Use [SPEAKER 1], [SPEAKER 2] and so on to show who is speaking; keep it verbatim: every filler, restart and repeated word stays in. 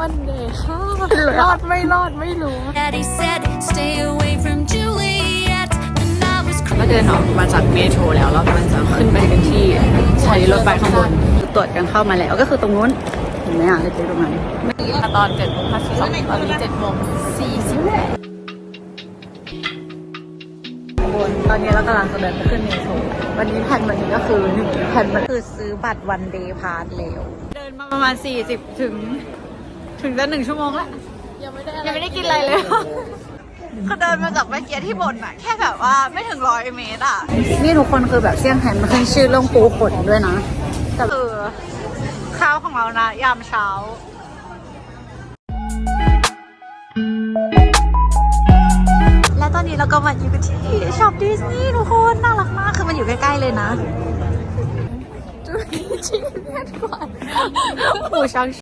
[SPEAKER 1] วันเดย์ค่ะรอดไม่รอดไม่รู้
[SPEAKER 2] Daddy said stay away from Juliet and I was
[SPEAKER 1] ก็เดินออกมาจากเมโทรแล้วเรากำลังจะขึ้นไปกันที่ใช้รถไฟข้างบนตรวจกันเข้ามาแล้วก็คือตรงนู้นเห็นไหมอ่ะเล็กๆตรงนั้นตอนเจ็ดโมงห้าสิบสองตอนนี้เจ็ดโมงสี่สิบตอนนี้เรากำลังจะเดินไปขึ้นเมโทรวันนี้แผนวันนี้ก็คือหนึ่งแผนมันคือซื้อบัตรวันเดย์พาสแล้วเดินมาประมาณสี่สิบถึงถึงจะหนึ่งชั่วโมงแล้วยังไม่ได้ยังไม่ได้กินอะไรเลยคือเดินมาจากเมื่อกี้ที่บ่นอะแค่แบบว่าไม่ถึงร้อยเมตรอะนี่ทุกคนคือแบบเซี่ยงไฮ้มันขึ้นชื่อเรื่องปูขนด้วยนะแต่คือข้าวของเรานะยามเช้าและตอนนี้เราก็มาอยู่กันที่ช็อปดิสนีย์ทุกคนน่ารักมากคือมันอยู่ใกล้ๆเลยนะจูนี่ชิคเก้นก่อนหมูช้าง